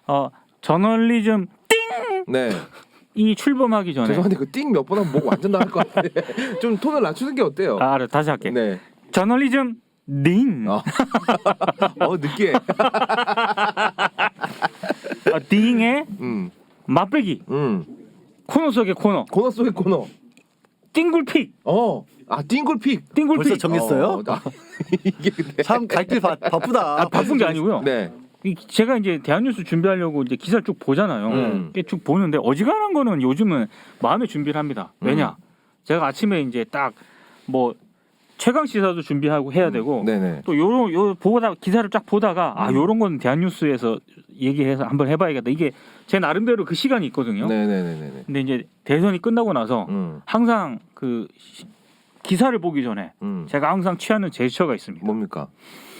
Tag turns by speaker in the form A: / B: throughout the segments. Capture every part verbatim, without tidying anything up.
A: 어, 저널리즘 띵!
B: 네.
A: 이 출범하기 전에
B: 죄송한데 그 띵 몇 번 하면 목 완전 나갈 것 같은데 좀 톤을 낮추는 게 어때요?
A: 아, 알아. 다시 할게.
B: 네.
A: 저널리즘 딩.
B: 어, 어 느끼해.
A: 어, 딩의
B: 음,
A: 맛배기.
B: 음.
A: 코너 속의 코너.
B: 코너 속의 코너.
A: 띵굴픽.
B: 어, 아 띵굴픽.
A: 띵굴픽.
C: 벌써 정했어요?
B: 어, 나- 이게 근데.
C: 참 갈 길 바쁘다.
A: 아, 바쁜 게 아니고요.
B: 네.
A: 이- 제가 이제 대한뉴스 준비하려고 이제 기사를 쭉 보잖아요.
B: 음.
A: 이렇게 쭉 보는데 어지간한 거는 요즘은 마음에 준비를 합니다. 왜냐?
B: 음.
A: 제가 아침에 이제 딱 뭐 최강 시사도 준비하고 해야 되고
B: 네네.
A: 또 요런 요 보다 기사를 쫙 보다가 아
B: 음.
A: 요런 건 대한뉴스에서 얘기해서 한번 해봐야겠다. 이게 제 나름대로 그 시간이 있거든요.
B: 네네네네.
A: 근데 이제 대선이 끝나고 나서
B: 음,
A: 항상 그 시- 기사를 보기 전에
B: 음.
A: 제가 항상 취하는 제스처가 있습니다.
B: 뭡니까?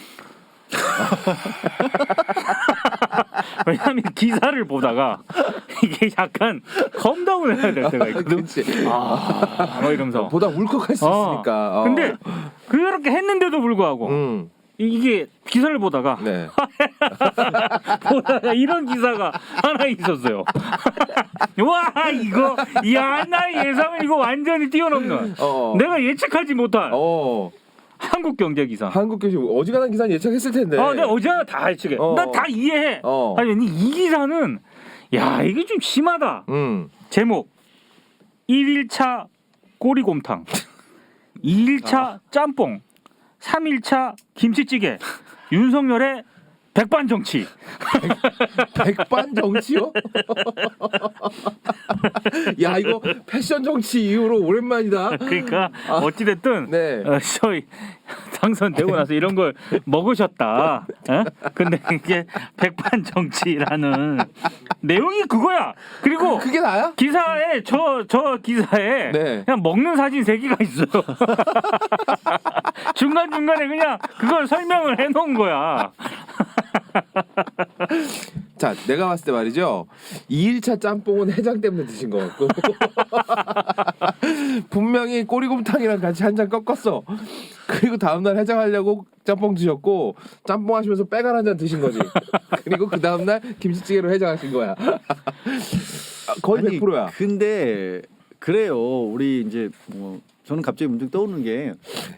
A: 왜냐하면 기사를 보다가 이게 약간 컴다운 해야 될 때가 있거든.
B: 그렇지.
A: 아, 뭐 이러면서.
B: 보다 울컥할 수
A: 어.
B: 있으니까. 어.
A: 근데 그렇게 했는데도 불구하고
B: 음,
A: 이- 이게 기사를 보다가
B: 네.
A: 보다가 이런 기사가 하나 있었어요. 와 이거 야 나의 예상을 이거 완전히 뛰어넘는
B: 어.
A: 내가 예측하지 못한
B: 어.
A: 한국 경제 기사.
B: 한국 교시 어지간한 기사는 예측했을 텐데.
A: 아, 내가 어제 다 예측해.
B: 어.
A: 나 다 이해해.
B: 어.
A: 아니 이 기사는 야 이게 좀 심하다.
B: 음.
A: 제목 일 일차 꼬리곰탕, 이 일차 짬뽕, 삼 일차 김치찌개, 윤석열의 백반정치.
B: 백반 정치요? 야 이거 패션 정치 이후로 오랜만이다.
A: 그러니까 어찌됐든
B: 네.
A: 어, 저희 당선되고 나서 이런 걸 먹으셨다. 어? 근데 이게 백반정치라는 내용이 그거야. 그리고
B: 그게 나야?
A: 기사에 저 저 기사에
B: 네.
A: 그냥 먹는 사진 세 개가 있어요. 중간 중간에 그냥 그걸 설명을 해놓은 거야.
B: 자, 내가 봤을 때 말이죠. 이 일차 짬뽕은 해장 때문에 드신 것 같고 분명히 꼬리곰탕이랑 같이 한 잔 꺾었어. 그리고 다음날 해장하려고 짬뽕 드셨고 짬뽕 하시면서 빼갈 한 잔 드신 거지. 그리고 그 다음날 김치찌개로 해장하신 거야. 거의
C: 아니,
B: 백 퍼센트야.
C: 근데 그래요. 우리 이제 뭐 저는 갑자기 문득 떠오르는 게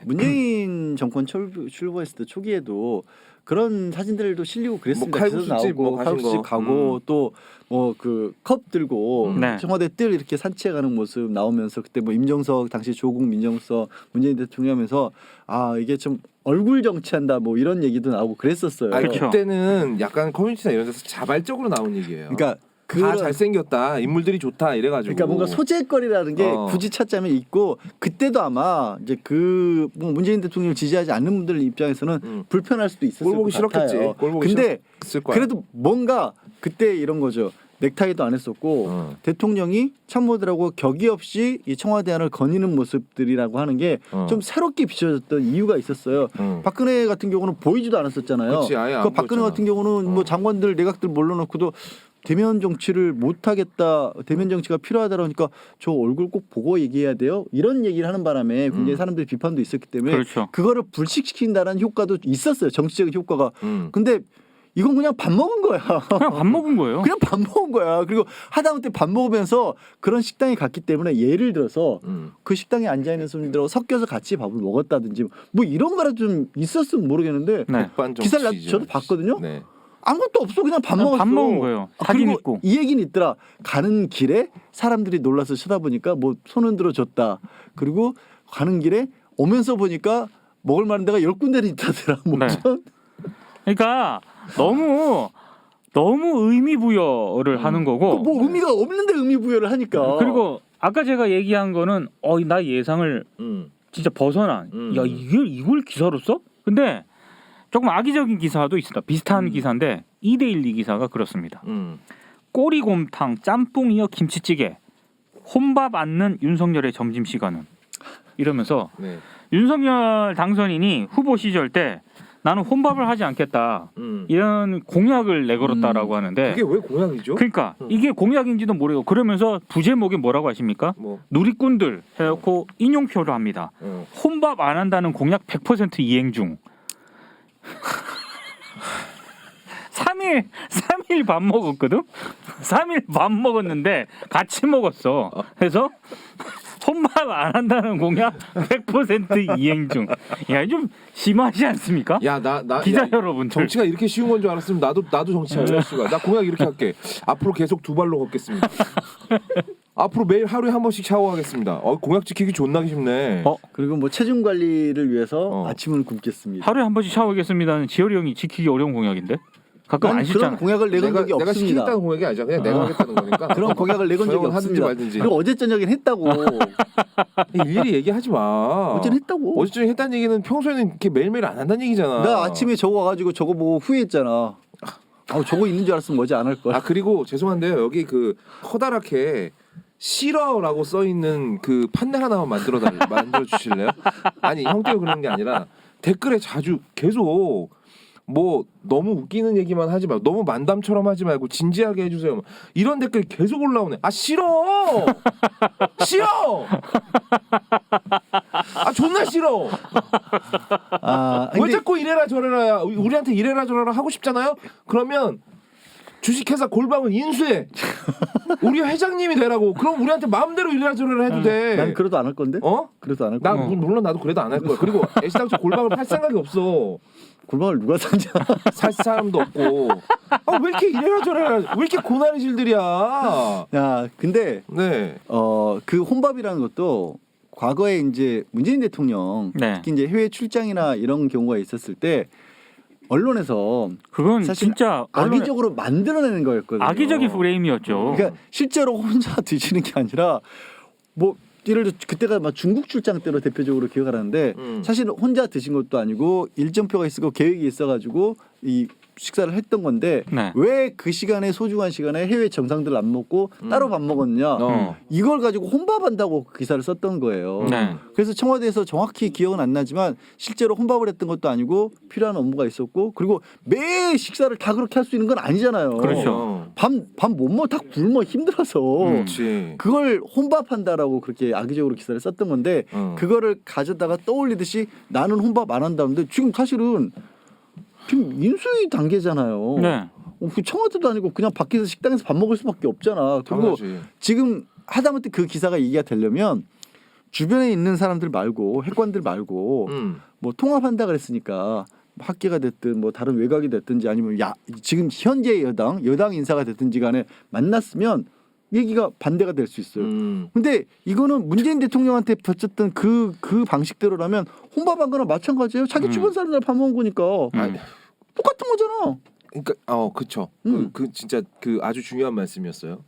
C: 문재인 정권 출범, 출범했을 때 초기에도 그런 사진들도 실리고 그랬습니다.
B: 뭐 칼국수집 뭐 가신
C: 칼국수집
B: 거.
C: 가고
B: 음.
C: 또 뭐 그 컵 들고
B: 음.
A: 네.
C: 청와대 뜰 이렇게 산책하는 모습 나오면서 그때 뭐 임정석 당시 조국 민정수석 문재인 대통령 하면서 아 이게 좀 얼굴 정치한다 뭐 이런 얘기도 나오고 그랬었어요.
B: 아니,
A: 그쵸.
B: 그때는 약간 커뮤니티나 이런 데서 자발적으로 나온 얘기예요.
C: 그러니까
B: 다
C: 그런-
B: 잘생겼다, 인물들이 좋다 이래가지고.
C: 그러니까 뭔가 소재거리라는 게
B: 어.
C: 굳이 찾자면 있고 그때도 아마 이제 그뭐 문재인 대통령을 지지하지 않는 분들 입장에서는
B: 음.
C: 불편할 수도 있었을
B: 꼴 보기
C: 것 같아요.
B: 싫었겠지. 꼴 보기
C: 근데
B: 싫었을 거야.
C: 그래도 뭔가 그때 이런 거죠. 넥타이도 안 했었고
B: 어.
C: 대통령이 참모들하고 격의 없이 이 청와대안을 거니는 모습들이라고 하는 게 좀
B: 어.
C: 새롭게 비춰졌던 이유가 있었어요.
B: 응.
C: 박근혜 같은 경우는 보이지도 않았었잖아요.
B: 그치, 아예 안
C: 그 박근혜
B: 보였잖아.
C: 같은 경우는 뭐
B: 어.
C: 장관들 내각들 몰라놓고도 대면 정치를 못 하겠다, 대면 정치가 필요하다 그러니까 저 얼굴 꼭 보고 얘기해야 돼요. 이런 얘기를 하는 바람에 굉장히
B: 음.
C: 사람들이 비판도 있었기 때문에
A: 그렇죠.
C: 그거를 불식시킨다는 효과도 있었어요. 정치적인 효과가.
B: 응.
C: 근데 이건 그냥 밥 먹은 거야.
A: 그냥 밥 먹은 거예요.
C: 그냥 밥 먹은 거야. 그리고 하다못해 밥 먹으면서 그런 식당에 갔기 때문에 예를 들어서
B: 응.
C: 그 식당에 앉아 있는 손님들하고 섞여서 같이 밥을 먹었다든지 뭐 이런 거라도 좀 있었으면 모르겠는데
A: 네.
B: 백반
C: 기사를 나,
B: 정치죠.
C: 저도 봤거든요.
B: 네.
C: 아무것도 없어. 그냥 밥
A: 그냥
C: 먹었어.
A: 밥 먹은 거예요.
C: 아,
A: 사진
C: 그리고
A: 있고.
C: 이 얘기는 있더라. 가는 길에 사람들이 놀라서 쳐다보니까 뭐 손 흔들어 줬다. 그리고 가는 길에 오면서 보니까 먹을 만한 데가 열 군데는 있다더라. 뭐
A: 네.
C: 전-
A: 그러니까 너무 너무 의미 부여를 하는 거고.
C: 뭐 의미가 없는데 의미 부여를 하니까.
A: 그리고 아까 제가 얘기한 거는 어 나 예상을
B: 응.
A: 진짜 벗어난.
B: 음.
A: 야 이걸 이걸 기사로 써? 근데 조금 악의적인 기사도 있습니다. 비슷한
B: 음.
A: 기사인데 이데일리 기사가 그렇습니다.
B: 응.
A: 꼬리곰탕, 짬뽕 이어 김치찌개, 혼밥 않는 윤석열의 점심 시간은 이러면서
B: 네.
A: 윤석열 당선인이 후보 시절 때 나는 혼밥을 하지 않겠다
B: 응.
A: 이런 공약을 내걸었다라고 하는데
B: 그게 왜 공약이죠?
A: 그러니까
B: 음.
A: 이게 공약인지도 모르고 그러면서 부제목이 뭐라고 하십니까?
B: 뭐.
A: 누리꾼들 해놓고 인용표를 합니다.
B: 어.
A: 혼밥 안 한다는 공약 백 퍼센트 이행 중. 삼 일 삼 일 밥 먹었거든. 삼 일 밥 먹었는데 같이 먹었어. 그래서 혼밥 안 한다는 공약 백 퍼센트 이행 중. 야, 좀 심하지 않습니까?
B: 야나 나
A: 기자
B: 야,
A: 여러분들.
B: 정치가 이렇게 쉬운 건 줄 알았으면 나도 나도 정치할래. 씨발. 나 공약 이렇게 할게. 앞으로 계속 두 발로 걷겠습니다. 앞으로 매일 하루에 한 번씩 샤워하겠습니다. 어, 공약 지키기 존나기 쉽네.
A: 어?
C: 그리고 뭐 체중 관리를 위해서
B: 어.
C: 아침은 굶겠습니다.
A: 하루에 한 번씩 샤워하겠습니다는 지열이 형이 지키기 어려운 공약인데. 가끔 안
C: 난
A: 씻잖아.
C: 그런 공약을 내건
B: 내가
C: 적이
B: 내가
C: 없습니다.
B: 시키겠다는 공약이 아니잖아. 그냥 내가 하겠다는 거니까.
C: 그런 공약을 내건 적이
B: 저형은 하든지
C: 없습니다.
B: 말든지.
C: 그리고 어제 저녁엔 했다고.
B: 일일이 얘기하지 마.
C: 어제는 했다고.
B: 어제 저녁에 했다는 얘기는 평소에는 이렇게 매일매일 안 한다는 얘기잖아.
C: 나 아침에 저거 와가지고 저거 보고 후회했잖아. 아, 저거 있는 줄 알았으면 어제 안 할 걸.
B: 아 그리고 죄송한데요. 여기 그 커다랗게 싫어라고 써 있는 그 판넬 하나만 만들어 달 만들어 주실래요? 아니 형 때문에 그런 게 아니라 댓글에 자주 계속 뭐 너무 웃기는 얘기만 하지 말고 너무 만담처럼 하지 말고 진지하게 해주세요. 이런 댓글이 계속 올라오네. 아 싫어, 싫어. 아 존나 싫어.
C: 아,
B: 왜
C: 근데
B: 자꾸 이래라 저래라 우리한테 이래라 저래라 하고 싶잖아요. 그러면 주식회사 골방을 인수해. 우리 회장님이 되라고. 그럼 우리한테 마음대로 이래라 저래라 해도 돼.
C: 난 그래도 안 할 건데.
B: 어?
C: 그래도 안 할
B: 나
C: 거야.
A: 어.
B: 물론 나도 그래도 안 할 거야. 그리고 애시당초 골방을 팔 생각이 없어.
C: 골방을 누가 사냐?
B: 살 사람도 없고. 아, 왜 이렇게 이래라 저래라. 왜 이렇게 고난의 질들이야.
C: 야, 근데
B: 네.
C: 어, 그 혼밥이라는 것도 과거에 이제 문재인 대통령
A: 네.
C: 특히 이제 해외 출장이나 이런 경우가 있었을 때 언론에서
A: 그건
C: 사실
A: 진짜 언론의
C: 악의적으로 만들어내는 거였거든요.
A: 악의적인 프레임이었죠.
C: 그러니까 실제로 혼자 드시는 게 아니라 뭐 예를 들어 그때가 막 중국 출장 때로 대표적으로 기억을 하는데
B: 음.
C: 사실 혼자 드신 것도 아니고 일정표가 있었고 계획이 있어가지고 이 식사를 했던 건데
A: 네.
C: 왜 그 시간에 소중한 시간에 해외 정상들 안 먹고
B: 음.
C: 따로 밥 먹었냐
B: 어.
C: 이걸 가지고 혼밥한다고 그 기사를 썼던 거예요.
A: 네.
C: 그래서 청와대에서 정확히 기억은 안 나지만 실제로 혼밥을 했던 것도 아니고 필요한 업무가 있었고 그리고 매 식사를 다 그렇게 할 수 있는 건 아니잖아요.
A: 그렇죠.
B: 어.
C: 밤밤 못 먹어 다 굶어 힘들어서
A: 음.
B: 그렇지.
C: 그걸 혼밥한다라고 그렇게 악의적으로 기사를 썼던 건데
B: 어.
C: 그거를 가져다가 떠올리듯이 나는 혼밥 안 한다는데 지금 사실은 지금 인수위 단계잖아요.
A: 네.
C: 어, 그 청와대도 아니고 그냥 밖에서 식당에서 밥 먹을 수밖에 없잖아. 그리고
B: 당연하지.
C: 지금 하다못해 그 기사가 얘기가 되려면 주변에 있는 사람들 말고 핵관들 말고
B: 음.
C: 뭐 통합한다 그랬으니까 학계가 됐든 뭐 다른 외곽이 됐든지 아니면 야 지금 현재 여당 여당 인사가 됐든지 간에 만났으면 얘기가 반대가 될 수 있어요.
B: 음.
C: 근데 이거는 문재인 대통령한테 바쳤던 그 그 방식대로라면 혼밥한 거나 마찬가지예요. 자기
A: 음.
C: 주변 사람들 밥 먹은 거니까
A: 음.
C: 똑같은 거잖아.
B: 그러니까 어 그쵸.
C: 음.
B: 그, 그 진짜 그 아주 중요한 말씀이었어요.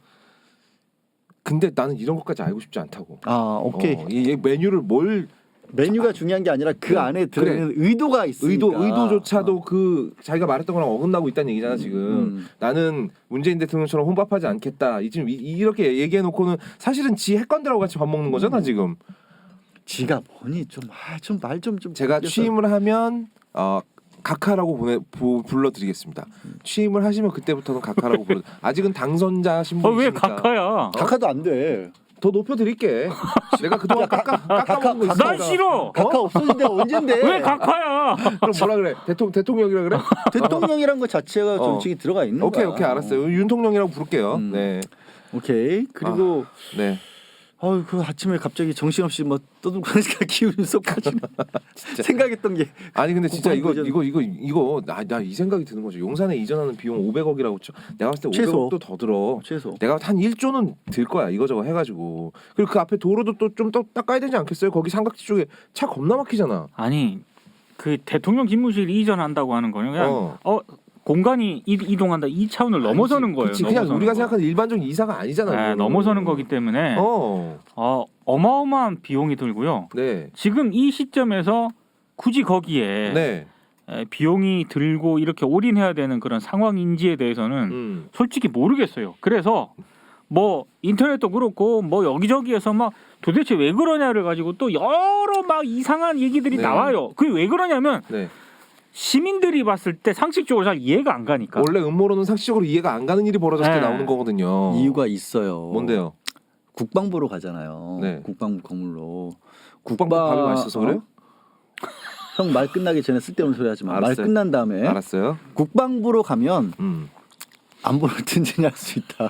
B: 근데 나는 이런 것까지 알고 싶지 않다고.
C: 아 오케이.
B: 어, 이, 이 메뉴를 뭘
C: 메뉴가 중요한 게 아니라 그
B: 그래,
C: 안에 들어있는 의도가 있으니까.
B: 의도 의도조차도 그 자기가 말했던 거랑 어긋나고 있다는 얘기잖아 지금.
C: 음.
B: 나는 문재인 대통령처럼 혼밥하지 않겠다. 이 지금 이, 이렇게 얘기해 놓고는 사실은 지 핵관들하고 같이 밥 먹는 거잖아 지금.
C: 지가 뭐니 좀좀 말 좀 좀.
B: 제가 취임을 하면 어 각하라고 보내 부, 불러드리겠습니다. 취임을 하시면 그때부터는 각하라고 불러. 아직은 당선자
A: 어,
B: 신분이니까.
A: 왜 각하야?
C: 각하도 안 돼.
B: 더 높여드릴게. 내가 그동안 깎아 깎아 먹은 거 있으니까.
A: 난 싫어.
C: 각하 없어진 데가 언젠데?
A: 왜 각하야?
B: 그럼 뭐라 그래? 대통령 대통령이라 그래?
C: 대통령이란 거 자체가
B: 어.
C: 정책이 들어가 있는
B: 오케이
C: 거야.
B: 오케이 알았어요. 윤통령이라고 부를게요.
C: 음.
B: 네.
C: 오케이. 그리고
B: 네.
C: 아유 그 아침에 갑자기 정신없이 뭐 떠들고 하니까 기운이 쏙 빠지네. 생각했던 게
B: 아니 근데 진짜 이거
C: 국방
B: 이거 이거 이거 나 나 이 생각이 드는 거죠. 용산에 이전하는 비용 오백억이라고 쳐. 내가 봤을 때
C: 최소.
B: 오백억도 더 들어.
C: 최소.
B: 내가 한 일 조는 들 거야 이거저거 해가지고. 그리고 그 앞에 도로도 또 좀 더 닦아야 되지 않겠어요? 거기 삼각지 쪽에 차 겁나 막히잖아.
A: 아니 그 대통령 집무실 이전한다고 하는 거는 그냥
B: 어.
A: 어, 공간이 이, 이동한다 이 차원을 넘어서는 거예요.
B: 그치, 그냥
A: 넘어서는
B: 우리가
A: 거.
B: 생각하는 일반적인 이사가 아니잖아.
A: 네,
B: 그거는.
A: 넘어서는 거기 때문에
B: 어.
A: 어, 어마어마한 비용이 들고요.
B: 네.
A: 지금 이 시점에서 굳이 거기에
B: 네.
A: 에, 비용이 들고 이렇게 올인해야 되는 그런 상황인지에 대해서는
B: 음.
A: 솔직히 모르겠어요. 그래서 뭐 인터넷도 그렇고 뭐 여기저기에서 막 도대체 왜 그러냐를 가지고 또 여러 막 이상한 얘기들이
B: 네.
A: 나와요. 그게 왜 그러냐면
B: 네.
A: 시민들이 봤을 때 상식적으로 잘 이해가 안 가니까.
B: 원래 음모론은 상식적으로 이해가 안 가는 일이 벌어졌을 때
A: 네.
B: 나오는 거거든요.
C: 이유가 있어요.
B: 뭔데요?
C: 국방부로 가잖아요.
B: 네.
C: 국방부 건물로.
B: 국방부 밥이 맛있어서 그래요?
C: 형 말 끝나기 전에 쓸데없는 소리 하지 마. 말
B: 알았어요.
C: 끝난 다음에
B: 알았어요.
C: 국방부로 가면
B: 음.
C: 안보를 든든히 할 수 있다.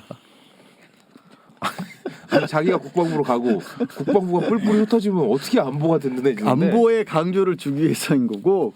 B: 아니, 자기가 국방부로 가고 국방부가 뿔뿔이 흩어지면 어떻게 안보가 든든해지는데?
C: 안보의 강조를 주기 위해서인 거고